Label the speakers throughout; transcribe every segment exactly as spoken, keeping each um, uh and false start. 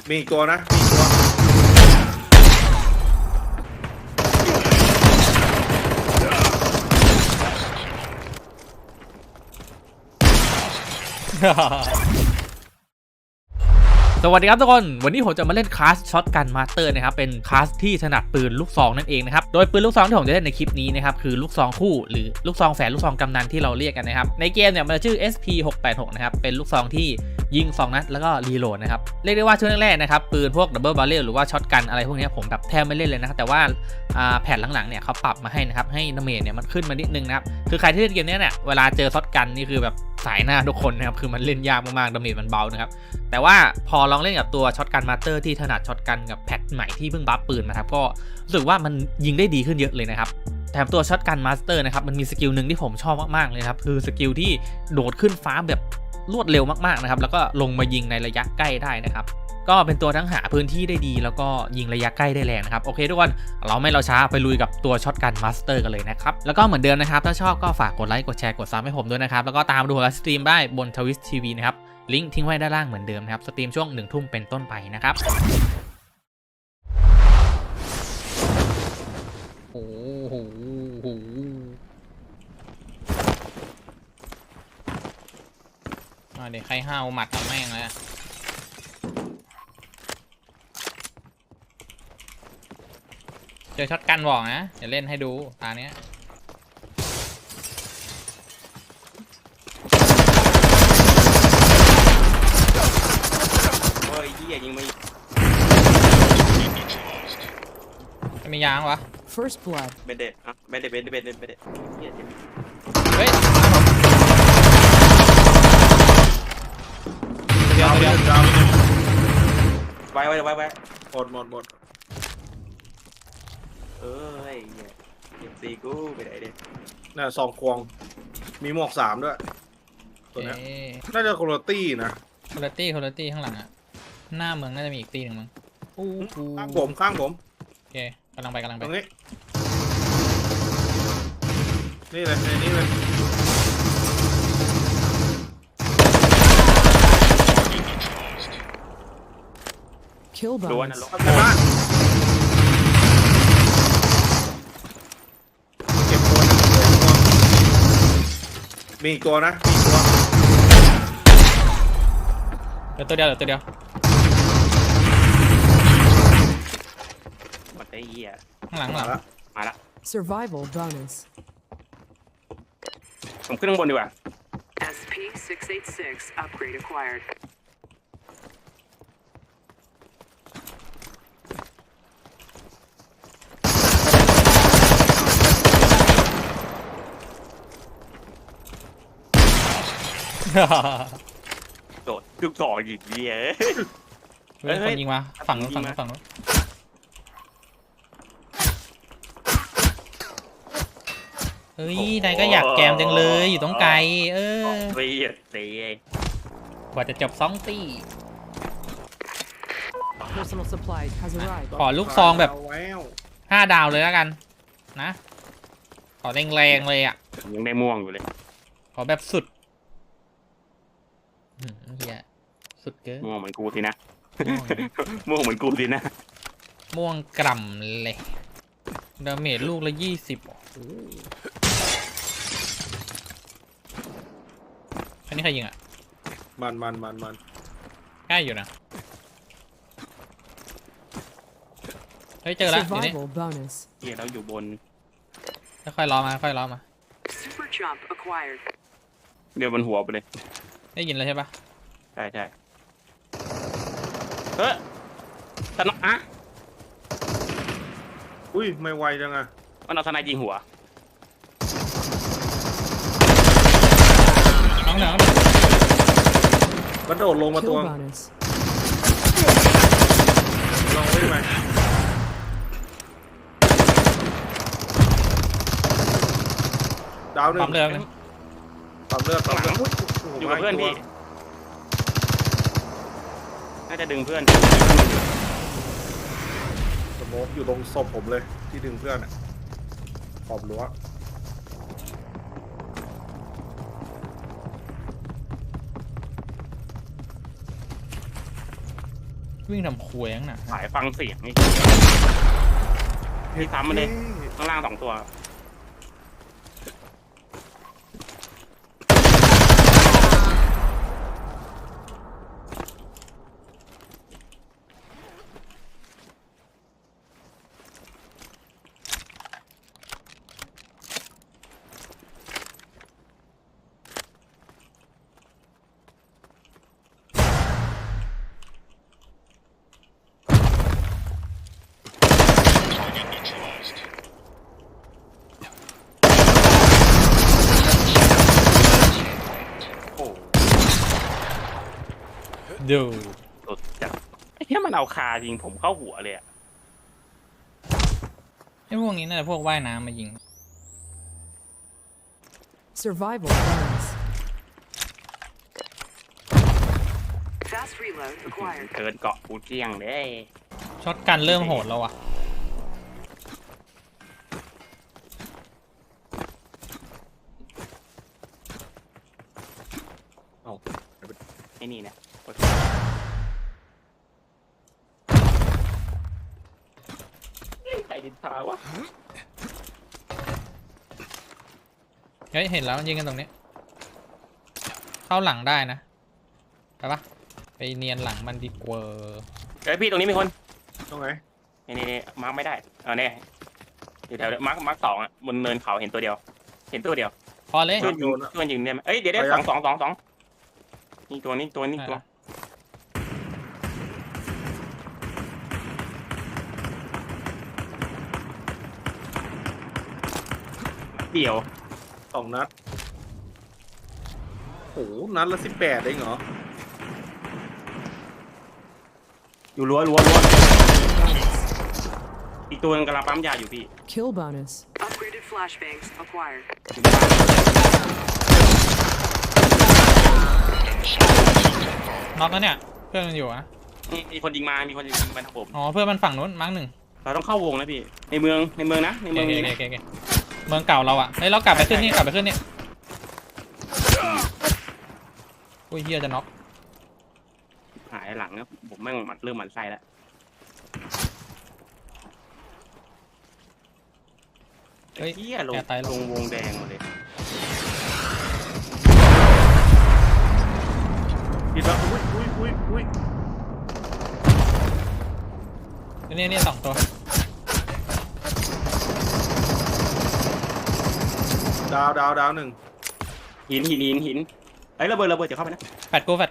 Speaker 1: มีอีกตัวนะมีอีกตัว
Speaker 2: สวัสดีครับทุกคนวันนี้ผมจะมาเล่นคลาสช็อตกันมาสเตอร์นะครับเป็นคลาสที่ถนัดปืนลูกซองนั่นเองนะครับโดยปืนลูกซองที่ผมจะเล่นในคลิปนี้นะครับคือลูกซองคู่หรือลูกซองแฝดลูกซองกำนันที่เราเรียกกันนะครับในเกมเนี่ยมันจะชื่อ เอส พี หกแปดหก นะครับเป็นลูกซองที่ยิงสองนัดแล้วก็รีโหลดนะครับเรียกได้ว่าช่วงแรกๆนะครับปืนพวกดับเบิลบาร์เรลหรือว่าช็อตกันอะไรพวกนี้ผมแบบแทบไม่เล่นเลยนะครับแต่ว่าแผ่นหลังๆเนี่ยเขาปรับมาให้นะครับให้ดาเมจเนี่ยมันขึ้นมานิดนึงนะครับคือใครที่เล่นเกมนี้เนี่ยเวลาเจอช็อตกันนี่คือแบบสายหน้าทุกคนนะครับคือมันเล่นยากมากๆดาเมจมันเบานะครับแต่ว่าพอลองเล่นกับตัวช็อตกันมาสเตอร์ที่ถนัดช็อตกันกับแพทใหม่ที่เพิ่งบัฟปืนนะครับก็รู้สึกว่ามันยิงได้ดีขึ้นเยอะเลยนะครับแถมตัวช็อตกันมาสเตอร์นะครับมันมีสกิลหนึ่งที่ผมชอบมากๆเลยครับคือสกิลที่โดดขึ้นฟ้าแบบรวดเร็วมากๆนะครับแล้วก็ลงมายิงในระยะใกล้ได้นะครับก็เป็นตัวทั้งหาพื้นที่ได้ดีแล้วก็ยิงระยะใกล้ได้แรงนะครับโอเคทุกคนเราไม่เราช้าไปลุยกับตัวช็อตกันมาสเตอร์กันเลยนะครับแล้วก็เหมือนเดิมนะครับถ้าชอบก็ฝากกดไลค์กดแชร์กดซับให้ผมด้วยนะครับแล้วก็ตามดูไลฟ์สตรีมได้บนทวิสทีวีนะครับลิงก์ทิ้งไว้ด้านล่างเหมือนเดิมนะครับสตรีมช่วงหนึ่งทุ่มเป็นต้นไปนะครับโอ้โหเดี๋ยวใครห้าวหมัดทำแม่งเลยเจอช็อตกันบอกนะเดี๋ยวเล่นให้ดูตาเนี้ย
Speaker 3: โอ้ยยี่ยิงไม่
Speaker 2: จะมียางวะ
Speaker 4: First blood
Speaker 3: เบนเด็ดอ่ะเบนเด็ดเบนเด็ดเบนเด็ดเบนเด็ด
Speaker 2: เฮ้ยเดี๋ยวเดี๋ยว
Speaker 3: ไว้ไว้ไว้ไว้
Speaker 1: หมดหมดหมด
Speaker 3: เอ้ยเก็บซีกูไปไหนเด็ด
Speaker 1: น่ะซองควงมีหมวกสามด้วยตัวนี้น่าจะคุณตี้นะ
Speaker 2: คุณตี้คุณตี้ข้างหลังอ่ะหน้าเมืองน่าจะมีอีกตีหนึ่งมั้ง
Speaker 1: ข้างผมข้างผม
Speaker 2: โอเคกำลังไปกำลังไป
Speaker 1: ตรงนี้นี่เลยในนี้เลย
Speaker 4: Kill
Speaker 3: ล้วน
Speaker 4: bonus
Speaker 3: นะล้วน
Speaker 1: ในบ้านเก็บตัวมีอีกตัวนะมีอีกตัว
Speaker 2: เดี๋ยวตัวเดียวเดี๋ยวตัวเดียว
Speaker 3: หมดไอ้เหี้ย
Speaker 2: ข้างหลังหลัง
Speaker 3: มาละ
Speaker 4: Survival bonus
Speaker 3: ผมขึ้นข้างบนดีกว่า
Speaker 5: เอส พี หกแปดหก upgrade acquired
Speaker 3: โดดลูกศรอีกเหี้ย
Speaker 2: เฮ้ยคนยิงมาฝั่งนู้นฝั่งนู้นฝั่งนู้นเฮ้ยนายก็อยากแกมจังเลยอยู่ตรงไกลเออ
Speaker 3: เสียเสีย
Speaker 2: กว่าจะจบสองตี
Speaker 4: Personal supplies has arrived
Speaker 2: ขอลูกซองแบบห้าดาวเลยแล้วกันนะขอแรงๆเลยอ่ะ
Speaker 3: ยังได้ม่วงอยู่เลย
Speaker 2: ขอแบบสุดเฮียสุดเกิน
Speaker 3: ม่วงเหมือนกูสินะม่วงเหมือนกูสินะ
Speaker 2: ม่วงกล่ำเลยดาเมจลูกละยี่สิบอันนี้ใครยิงอ่ะ
Speaker 1: มันมันมันมัน
Speaker 2: ใกล้อยู่นะเฮ้ยเจอแล้วทีนี้
Speaker 3: เฮียเราอยู่บน
Speaker 2: ค่อยๆล้อมาค่อยๆล้อมา
Speaker 3: เดี๋ยวบนหัวไปเลย
Speaker 2: ได้ยินเลยใช่ปะ
Speaker 3: ใช่ใช่เฮ้ยสนอ่ะ
Speaker 1: อุ้ยไม่ไวจังอะ
Speaker 3: มันเอาทนายยิงหัว
Speaker 2: น้องเหนือ
Speaker 1: มันโดดลงมาตัวลองได้ไหมดาวหนึ่ง
Speaker 2: ปั๊มเลือด
Speaker 1: ปั๊มเลือดปั๊มเลือด
Speaker 3: อยู่กับเพื่อนพี่น่าจะดึงเพื่อน
Speaker 1: สโมกอยู่ตรงศพผมเลยที่ดึงเพื่อนอ่ะขอบรั้ว
Speaker 2: วิ่งทำควยข้างหน้า
Speaker 3: สายฟังเสียงนี่พี่ซ้ำมันเลยข้างล่างสองตัว โอ้
Speaker 2: ดู
Speaker 3: สุดจัดไอ้เหี้ยมันเอาคายิงผมเข้าหัวเลยอะ
Speaker 2: ไอ้พวกนี้น่าจะพวกว่ายน้ำมายิง
Speaker 4: Survival bonus.
Speaker 5: Fast reload acquired.
Speaker 3: เกินเกาะกูเจียงเลย
Speaker 2: ช็อตกันเริ่มโหดแล้วอ่ะ
Speaker 3: ไอ้นี่เนี่ยใครดินทาวะ
Speaker 2: เฮ้ยเห็นแล้วยิงกันตรงนี้ เข้าหลังได้นะไปปะไปเนียนหลังมันดีกว่า
Speaker 3: เฮ้ยพี่ตรงนี้มีคน
Speaker 1: ตรงไหน
Speaker 3: นี่นี่นี่มาร์กไม่ได้เออเนี่ยอยู่แถวมาร์กมาร์กสองอ่ะบนเนินเขาเห็นตัวเดียว เห็นตัวเดียว
Speaker 2: พอเลย
Speaker 3: ช่วยยิงช่วยยิงเนี่ยเอ้ยเดี๋ยวได้สองสองสองสองนี่ตัวนี้ตัวนี้ตัวเดี่ยว
Speaker 1: สองนัดโอ้โหนัดละสิบแปดเองเหรอ
Speaker 3: อยู่รั้วรั้วรั้วอีกตัวนึงกำลังปั๊มยาอยู่พี่
Speaker 4: Kill bonus.
Speaker 5: Upgraded flashbangs acquired.
Speaker 2: น็อกแล้วเนี่ยเพื่อนมันอยู่อะ
Speaker 3: นี่มีคนยิงมา มีคนยิงมาทางผม
Speaker 2: อ๋อเพื่อนมันฝั่งนู้นมั้งหนึ่ง
Speaker 3: เราต้องเข้าวงนะพี่ ในเมืองในเมืองนะใน
Speaker 2: โอ
Speaker 3: เมือง
Speaker 2: เค
Speaker 3: นี้
Speaker 2: โอ
Speaker 3: นะ
Speaker 2: เคโอเคเมืองเก่าเราอะเฮ้ยเรากลับไปขึ้นนี่กลับไปขึ้นนี่อุ้ยเฮียจะน็อก
Speaker 3: หายหลังนะผมไม่งมันเริ่มหมันไส้แล้ว
Speaker 2: เฮ้ย
Speaker 3: เฮียลง
Speaker 2: แกตายล
Speaker 3: ล
Speaker 2: ง
Speaker 3: งวงแดงหมดเลย
Speaker 1: ผิดแล้วอุ้ยอุ้ยอุ้ยอุ้ย
Speaker 2: นี่นี่สองตัว
Speaker 1: ดาวดาวดาวหนึ่ง
Speaker 3: หินหินหินหินไอ้ยระเบิดระเบิดจะเข้าไปนะ
Speaker 2: แฟดกูแฟดกู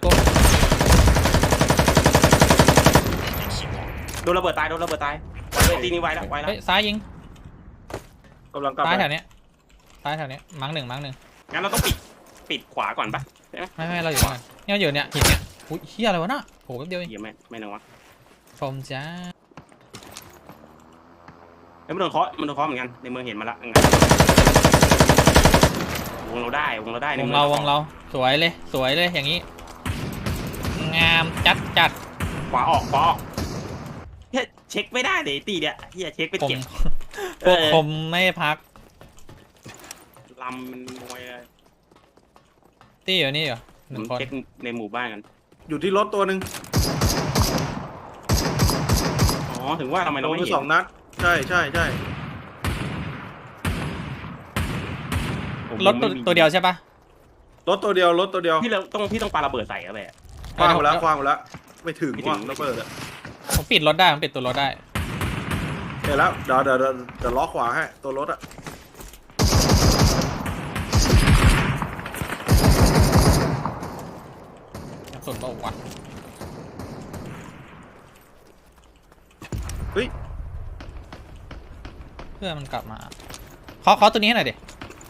Speaker 3: โดนระเบิดตายโดนระเบิดตายเลยตีนี้ไว้แล้วไว้แล้ว
Speaker 2: เฮ้ยซ้ายยิง
Speaker 1: กำลังกลับ
Speaker 2: ซ้าย
Speaker 1: ไป
Speaker 2: แถวเนี้ยซ้ายแถวเนี้ยมั้งหนึ่งมั้งหนึ่ง
Speaker 3: งั้นเราต้องปิดปิดขวาก่อนปะใช่ไหม
Speaker 2: ไม่ไม่เราอยู่ตรงนั้นเนี่ยอยู่เนี่ยหินเนี่ยอุ้ยเฮียอะไรวะน่ะโหแป๊บเดียวเอง
Speaker 3: เหี้ยไม่ไม่นึกว่า
Speaker 2: ชมจ้า
Speaker 3: ไอ้ยมันโดนเคาะมันโดนเคาะเหมือนกันในเมืองเห็นมาละงั้นวงเราได้วงเราได้ใน
Speaker 2: วง
Speaker 3: มือ
Speaker 2: เราวงเราสวยเลยสวยเลยอย่างนี้งามจัดจัด
Speaker 3: ขวาออกขวาออกเฮ้ยเช็คไม่ได้เลยตีเนี่ยเฮียเช็คไป
Speaker 2: ผม
Speaker 3: เก็บ
Speaker 2: พวกผมไม่พัก
Speaker 3: ลำมันมวยเลย
Speaker 2: ตี้อยู่นี่เหรอห
Speaker 3: ผ
Speaker 2: นึ่ง
Speaker 3: ม
Speaker 2: คน
Speaker 3: เช็คในหมู่บ้านกัน
Speaker 1: อยู่ที่รถตัวหนึ่ง
Speaker 3: อ๋อถึงว่าทำไม
Speaker 1: โด
Speaker 3: เรา
Speaker 1: น
Speaker 3: ไม่
Speaker 1: ไป
Speaker 3: เห็น
Speaker 1: สองนัดใช่ใช่ใช่
Speaker 3: ผม
Speaker 2: รถตัว
Speaker 3: ไม่มี
Speaker 2: ตัวเดียวใช่ปะ
Speaker 1: รถตัวเดียวรถตัวเดียว
Speaker 3: พี่เราต้องพี่ต้องปาระเบิดใส่อะแบะ
Speaker 1: คว้างหมดแล้วคว้างหมดแล้วไม่ถึง
Speaker 3: ไม่ถึง
Speaker 1: ว่ะระเบิดอะ
Speaker 2: ผมปิดรถได้ผมปิดตัวรถได้
Speaker 1: เดี๋ยวแล้วเดี๋ยวเดี๋ยวเดี๋ยวเดี๋ยวล้อขวาให้ตัวรถอะ
Speaker 2: กระสุนเปล่าวะ
Speaker 1: เฮ้ย
Speaker 2: เพื่อนมันกลับมาเคาะเคาะตัวนี้ให้หน่อยดิ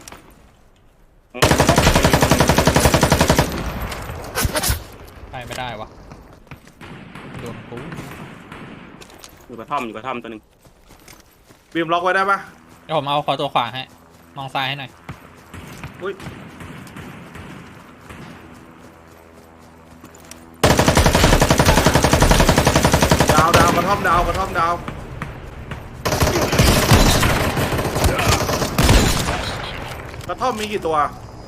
Speaker 2: ไปไม่ได้วะโดนกู
Speaker 3: อยู่กระท่อมอยู่กระท่อมตัวหนึ่ง
Speaker 1: บีมล็อกไว้ได้ปะ
Speaker 2: เดี๋ยวผมเอาขอตัวขวาให้มองซ้ายให้หน่อย
Speaker 1: อุ้ยดาวดาวกระท่อมดาวกระท่อมดาวกระท่อมมีกี่ตัว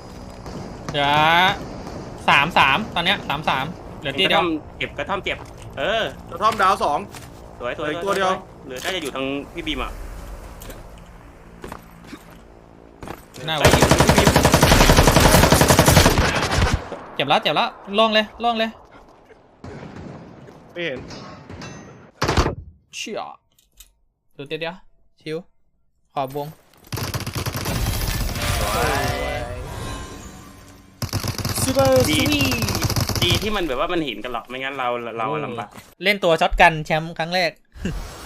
Speaker 2: เดี๋ยวสามสามตอนเนี้ยสามสามเหลือที่
Speaker 3: กระ
Speaker 2: เดีย
Speaker 3: ท่
Speaker 2: ว
Speaker 3: อมเก็บกระท่อมเจ็บเออก
Speaker 1: ระท่อมดาวสอง
Speaker 3: สวยสวย
Speaker 1: เหลืออีกตัวเดียว
Speaker 3: เหลือน่าจะอยู่ทางพี่บีมอ่ะ
Speaker 2: หน้า
Speaker 3: ใช่อยู่ทางพี่บีม
Speaker 2: เจ็บแล้วเจ็บแล้วล่องเลยล่องเลย
Speaker 1: ไม่เห็น
Speaker 2: เชี่ยดูเดี๋ยวเดี๋ยวชิวขอบวงซูเปอร์สวี
Speaker 3: ดีที่มันแบบว่ามันเห็นกันหรอกไม่งั้นเราเราลำบาก
Speaker 2: เล่นตัวช็อตกันแชมป์ครั้งแรก